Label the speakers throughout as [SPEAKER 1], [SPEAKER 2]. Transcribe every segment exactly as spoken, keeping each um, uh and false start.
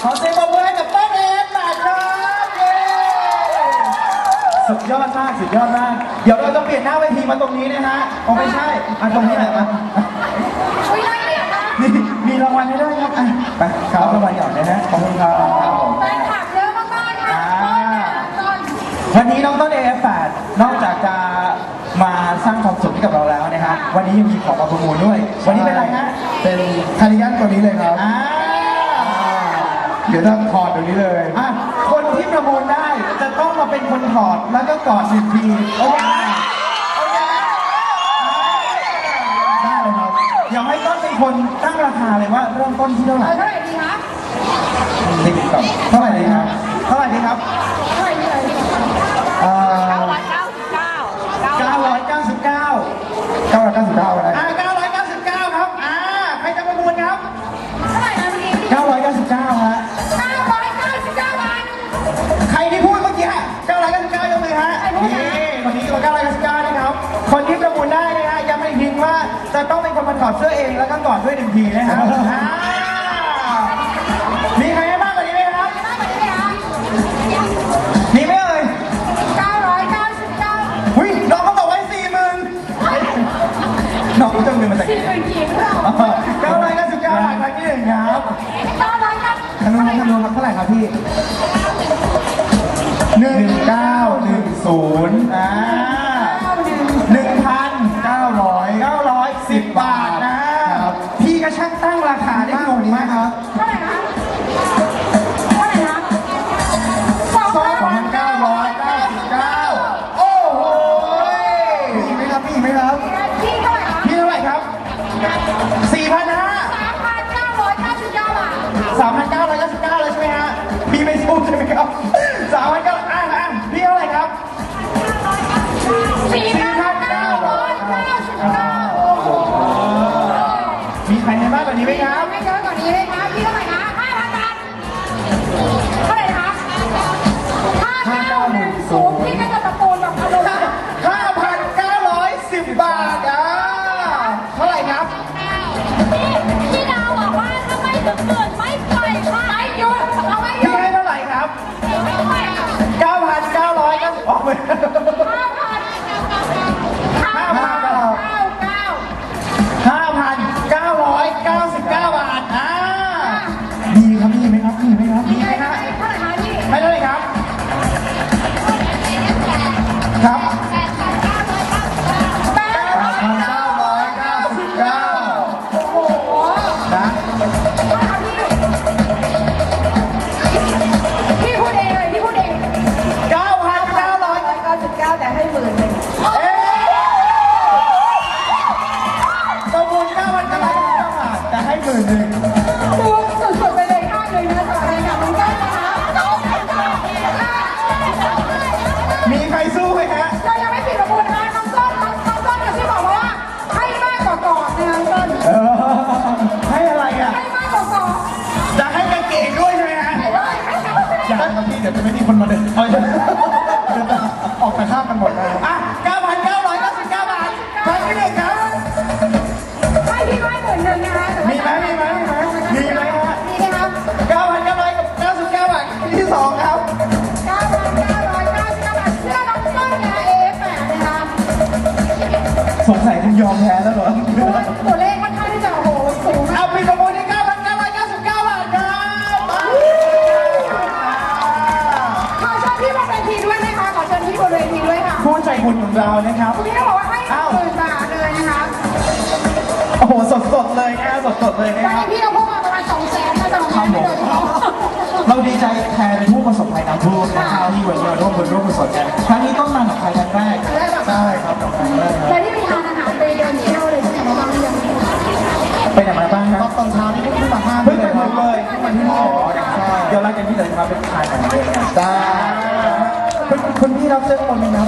[SPEAKER 1] ขอเสียงปรบมือให้กับต้นเอฟหน่อยครับเย้สุดยอดมากสุดยอดมากเดี๋ยวเราจะเปลี่ยนหน้าเวทีมาตรงนี้นะฮะอ๋อไม่ใช่อ่ะตรงนี้แหละมานี่มีรางวัลให้ด้วยครับอ่ะไปครับรางวัลหย่อนนะฮะขอบคุณครับ
[SPEAKER 2] แฟนคลับเยอะมากๆค่ะ
[SPEAKER 1] วันนี้น้องต้น เอ เอฟ แปด นอกจากจะมาสร้างความสุขให้กับเราแล้วนะครับวันนี้ยังมีของมาประมูลด้วยวันนี้เป็นอะไรฮะ
[SPEAKER 3] เป็นคาร์ดิแกนตัวนี้เลยครับเดี๋ยวจะถอดตัวนี้เลย
[SPEAKER 1] อ่ะคนที่ประมูลได้จะต้องมาเป็นคนถอดแล้วก็กอดหนึ่งทีโอเคโอเคได้เลยครับเดี๋ยวให้ต้นเป็นคนตั้งราคาเลยว่าเริ่มต้นที่เท่าไหร่
[SPEAKER 2] เท่าไหร่ดีคะ
[SPEAKER 1] ติ๊กต็อกเท่าไหร่ดีครับเท่าไหร่ดีครับ
[SPEAKER 2] เท่าไหร่ดีเลย
[SPEAKER 1] เอ่อเก้าร้อยเก้าสิบเก้าเก้าร้อยเก้าสิบเก้า
[SPEAKER 3] เก้าร้อยเก้าสิบเก้าอะไร
[SPEAKER 1] อ่าเก้าร้อยเก้าสิบเก้าครับอ่าใครจะประมูลครับ
[SPEAKER 2] เท่าไหร่นะเมื่อกี้
[SPEAKER 1] เก้าร้อยเก้าสิบเก้าฮะ
[SPEAKER 2] เก้าร้อยเก้าสิบเก้าบาท
[SPEAKER 1] ใครที่พูดเมื่อกี้เก้าร้อยเก้าสิบเก้ายกมือฮะนี่คนนี้เก้าร้อยเก้าสิบเก้านะครับคนที่ประมูลได้นะฮะย้ำอีกทีว่าจะต้องเป็นคนมาถอดเสื้อเองแล้วก็กอดด้วยหนึ่งทีนะครับมีใครให้มากกว่านี้ไหมครับมีไหมเอ่ย
[SPEAKER 2] เก้าร้อยเก้าสิบเก้า
[SPEAKER 1] หุ้ยน้องเขาบอกไว้สี่หมื่นน้องจะเงินมาจากไหน
[SPEAKER 2] สี่หมื่นกี่เท่า
[SPEAKER 1] เก้าร้อยเก้าสิบเก้าบาทครั้งที่หนึ่งครับ
[SPEAKER 2] เก้าร้อยเก้า
[SPEAKER 1] คำนวณคำนวณเท่าไหร่ครับพี่หนึ่งเก้าหนึ่งศูนย์อ่าหนึ่งพันเก้าร้อยเก้าร้อยสิบบาทนะพี่ก็ช่างตั้งราคาได้ถูกมากครับ
[SPEAKER 2] เท่าไหร่คะเท่าไหร่คะ
[SPEAKER 1] สองพันเก้าร้อยเก้าสิบเก้าโอ้โหมีไหมครับมีไหมครับ
[SPEAKER 2] พี่เท่าไหร่คะ
[SPEAKER 1] พี่เท่าไหร่ครับสี่พันห้า
[SPEAKER 2] สามพันเก้าร้อยเก้าสิบเก้าบาท
[SPEAKER 1] สามพันเก้าร้อยเก้าสิบเก้าเลยใช่ไหมฮะพี่ไม่สู้ใช่ไหมครับสามพันเก้าอ่ะอ่ะพี่เท่าไหร่ครับ
[SPEAKER 2] สี่พันเก้าร้อยเก้าสิบเก้า
[SPEAKER 1] มีใครให้มากกว่านี้ไหมครับ
[SPEAKER 2] ไม่เยอะกว่านี้เลยครับพี่เท่าไหร่คะห้าพันบาทเท่าไหร่คะห้าเก้าหนึ่งศูนย์พี่ก็จะตะโกนแบบอารมณ์
[SPEAKER 1] ห้าพันเก้าร้อยสิบบาทอ่ะเท่าไหร่ครับ
[SPEAKER 2] พี่ดาวบอกว่าถ้าไม่ถึงหมื่นไม่ปล่อยค่ะไม่หยุดเอาไม่หยุ
[SPEAKER 1] พี่
[SPEAKER 2] ด
[SPEAKER 1] ให้เท่าไหร่ครับเก้าพันเก้าร้อยก็ออกไป
[SPEAKER 2] ห้าพันห้าพันเก้าเก้า
[SPEAKER 1] ห้าพันเก้าร้อยเก้าสิบเก้าบาทอ่ามีครับมีไหมครับมีไหมครับมีไหมฮะ
[SPEAKER 2] เท่าไหร่คะพี่
[SPEAKER 1] ให้เท่าไหร่ครับครับ
[SPEAKER 2] แปดพันเก้าร้อยเก้าสิบเก้าโอ้โห
[SPEAKER 1] นะ
[SPEAKER 2] พี่พูดเองเลยพี่พูดเอง
[SPEAKER 1] เก้าพันเก้าร้อย
[SPEAKER 2] เก้าสิบเก้าแต่ให้หมื่นหนึ่ง
[SPEAKER 1] ประมูลเก้าพันเก้าร้อยเก้าสิบเก้าบาทแต่ให้หมื่นหนึ่ง
[SPEAKER 2] ดูสุดๆไปเลยข้างหนึ่งนะต่อเลยกับน้องต้นนะคะ
[SPEAKER 1] มีใครสู้ไหมฮะ
[SPEAKER 2] เรายังไม่ปิดประมูลนะคะน้องต้นน้องต้นกระซิบบอกว่าให้มากกว่ากอดนะคะน้องต้น
[SPEAKER 1] ให้อะไรอ่ะ
[SPEAKER 2] ให้มากกว่ากอด
[SPEAKER 1] จะให้กางเกงด้วยใช่ไหมฮะ
[SPEAKER 3] อย่าครับพี่เดี๋ยวจะไม่มีคนมาเดินเอาจะออกแต่ข้ามกันหมดเลย
[SPEAKER 1] อ่ะเก้าพันเก้าร้อยเก้าสิบเก้าบาทครั้งที่หนึ่งครับ
[SPEAKER 2] ให้พี่ให้หมื่นหนึ่งนะคะ
[SPEAKER 1] มีไหมมีไหมมีไหมมีไหมฮะ
[SPEAKER 2] มีไหมครับ
[SPEAKER 1] เก้าพันเก้าร้อยกับเก้าสิบเก้าบาทที่สองครับ
[SPEAKER 2] เก้าพันเก้าร้อยเก้าสิบเก้าบาทเสื้อน้องต้นนะ เอ เอฟ แปดนะคะ
[SPEAKER 1] สงสัยคุณยอมแพ้แล้วเหรอ
[SPEAKER 2] ตัวเลขค่อนข้างที่จะโอ้โหสูง
[SPEAKER 1] เอาไปประมูลที่เก้าพันเก้าร้อยเก้าสิบเก้าบาทครับ
[SPEAKER 2] ขอเชิญพี่บนเวทีด้วยนะคะขอเชิญพี่บนเวทีด้วยค่ะ
[SPEAKER 1] ผู้ใจบุญของเรานะครับ
[SPEAKER 2] คุณพี่บอกว่าให้หมื่นบาทเลยนะคะ
[SPEAKER 1] โอ้โหสดสดเลยนะสดสดเลยนะ
[SPEAKER 2] ตอนนี้พี่เราพุ่งมาประมาณสองแสนนะสองแสนเลย
[SPEAKER 1] เราดีใจแทนผู้ประสบภัยน้ำท่วมนะครับที่วันนี้เราร่วมบุญร่วมกุศลกันครั้งนี้ต้องมากับใครครั้งแรก
[SPEAKER 3] ใช่ครับครั้งแรกครับ
[SPEAKER 2] แต่ที่ไปทานอาหารไปเดินเที่ยวเลยใช่ไหมบ้างยัง
[SPEAKER 1] ไปไหนมาบ้างครับ
[SPEAKER 3] ตอนเช้านี่เพิ่งมาห้า
[SPEAKER 1] เพิ่งไปถึงเลย
[SPEAKER 3] เพิ่งมาที่นี่
[SPEAKER 1] เดี๋ยวหลังจากนี้เดี๋ยวจะมาเป็นทานกัน
[SPEAKER 3] จ้า
[SPEAKER 1] คุณพี่รับเสื้อคนนึงครับ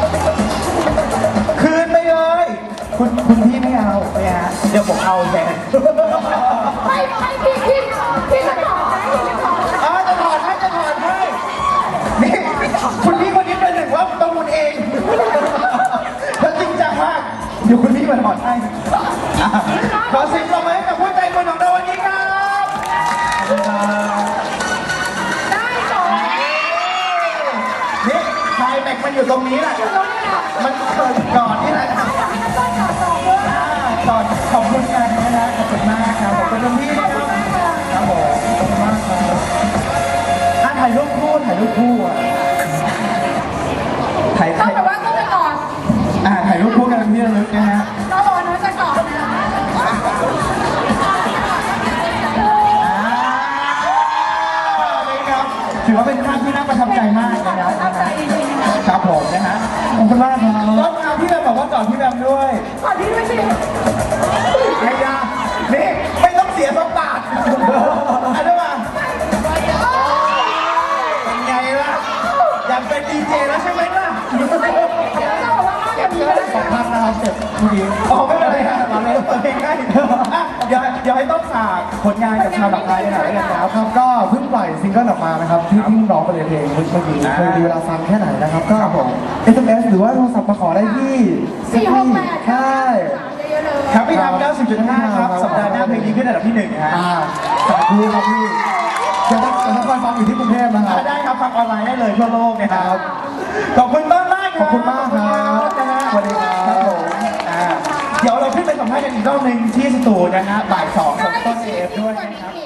[SPEAKER 1] คืนไปเลยคุณคุณพี่ไม่เอาไม่ฮะเดี๋ยวผมเอาแทน
[SPEAKER 2] ไม่ไม่พี่พี่พี่จะถอดไหมจะถอด
[SPEAKER 1] อ๋อจะถอดให้จะถอดให้นี่คุณพี่คนนี้เป็นหนึ่งว่าต้องมุนเองแล้วจริงจังมากเดี๋ยวคุณพี่มาถอดให้ขอเสียงปรบมือให้กับผู้ใจบุญของเราวันนี้ครับมันอยู่ตรงนี้แหละ
[SPEAKER 2] ตรงนี้แหละ
[SPEAKER 1] มันเกิดก่อนนี่แหละ
[SPEAKER 2] ให้น้ำต้นก่อนต่อด้วย
[SPEAKER 1] อ่าก่อนขอบคุณกันนะฮะขอบคุณมากครับขอบคุณคุณพี่นะครับครับผมขอบคุณมากครับอ่ะถ่ายรูปคู่ถ่ายรูปคู่อ่ะถ่าย
[SPEAKER 2] ต้อ
[SPEAKER 1] ถ่าง ย
[SPEAKER 2] แบบว่าต้องไปก่อน
[SPEAKER 1] อ่าถ่ายรูปคู่กันเป็นที่ระลึกนะฮะ
[SPEAKER 2] น้องบอกว่าน้องจะก่อนนะ
[SPEAKER 1] ครับถือว่าเป็นภาพที่น่าประทับใจมากนะครับ
[SPEAKER 2] ตั้งใจจริงๆนะคะ
[SPEAKER 1] ครับผมนะฮะขอบคุณมากครับรถมาพี่แบมบอกว่าก่อนพี่แบมด้วย
[SPEAKER 2] ก่อนที่ด้วยสิ
[SPEAKER 1] ไอ้ยานี่ไม่ต้องเสียสกบาทอันนี้มาเป็นไงล่ะอยากเป็นดีเจแล้วใช่ไหมล่ะ
[SPEAKER 2] จะบอกว่าห้ามอย่างนี้เลย
[SPEAKER 3] ขอบคุณนะครับเก็บเมื่อกี้
[SPEAKER 1] อ๋อไม่เป็นไรครับมาเลยเพลงง่ายอ่ะเดี๋ยวเดี๋ยวให้ต้องฝากผลงานกับชาวหลักไทยหน่อยแล้วกันครับ
[SPEAKER 3] ครับก็เพิ่งปล่อยซิงเกิลออกมานะครับที่ที่ร้องไปในเพลงเมื่อกี้
[SPEAKER 1] อ่า
[SPEAKER 3] เคยมีเวลาฟังแค่ไหนนะครับก็
[SPEAKER 1] ครับผม
[SPEAKER 3] เอส เอ็ม เอส หรือว่าโทรศัพท์มาขอได้ที่
[SPEAKER 2] สี่หกแปด
[SPEAKER 3] ใช่
[SPEAKER 2] เยอะๆเลย
[SPEAKER 1] ครับพี่ทำเก้าสิบจุดห้าครับสัปดาห์หน้าเพลงนี้ขึ้นอันดับที่หนึ่งฮะ
[SPEAKER 3] อ่าสาธุครับพี่เดี๋ยวถ้าเดี๋ยวถ้าคอยฟังอยู่ที่กรุงเทพนะครับ
[SPEAKER 1] ได้ครับฟังออนไลน์ได้เลยทั่วโลกนะครับขอบคุณต้นมาก
[SPEAKER 3] ขอบคุณมากครับ
[SPEAKER 1] นะฮะ
[SPEAKER 3] สวัสดีครับ
[SPEAKER 1] ครับผมอ่าเดี๋ยวเราขึ้นไปสัมภาษณ์กันอีกรอบหนึ่งที่สตูนะฮะบ่ายสองกับต้นเอฟด้วยนะครับ